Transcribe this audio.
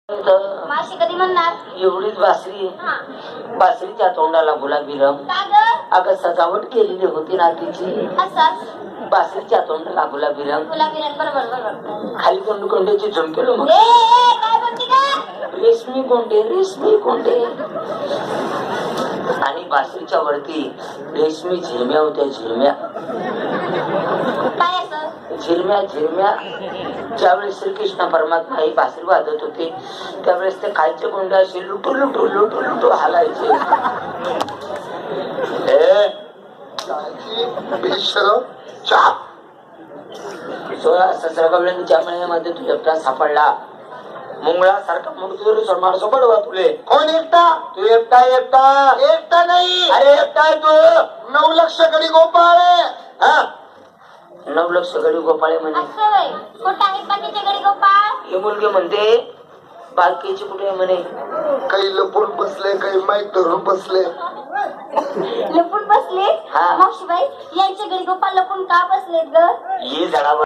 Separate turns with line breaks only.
माशी कधी म्हणणार
एवढीच बासरी बासरीच्या तोंडाला गुलाबी रंग अगं सजावट केलेली होती ना तिची बासरीच्या तोंडाला गुलाबी रंग
बरोबर बरोबर
खाली कोंडूची झुमकेलो मग
काय म्हणते का
रेशमी कोंडे आणि बासरीच्या वरती रेशमी झिरम्या होत्या झिरम्या
काय असं
झिरम्या ज्यावेळेस श्रीकृष्ण परमात्मा ही बासरी वाजत होते त्यावेळेस ते खालचे कोंडे असे लुटू हालायचे. सोळा 17 कवळ्यांच्या महिन्यामध्ये तू एकटा सापडला मुंगळा सारखा मूर्तीवर माणसं पडवा तुले.
कोण एकटा?
तू एकटा
नाही.
अरे एकटा आहे तू.
9 लक्ष गडी गोपाळ.
9 लक्ष गडी गोपाळे म्हणे.
कुठं आहेत बाकीचे गडी गोपाळ?
हे मुलगी म्हणते बालकीची कुठे आहे म्हणे.
काही लपून बसले काही माईक धरून बसले.
लपून बसले? मावशीबाई यांचे गडी गोपाळ लपून का बसलेत ग?
ये झाडावर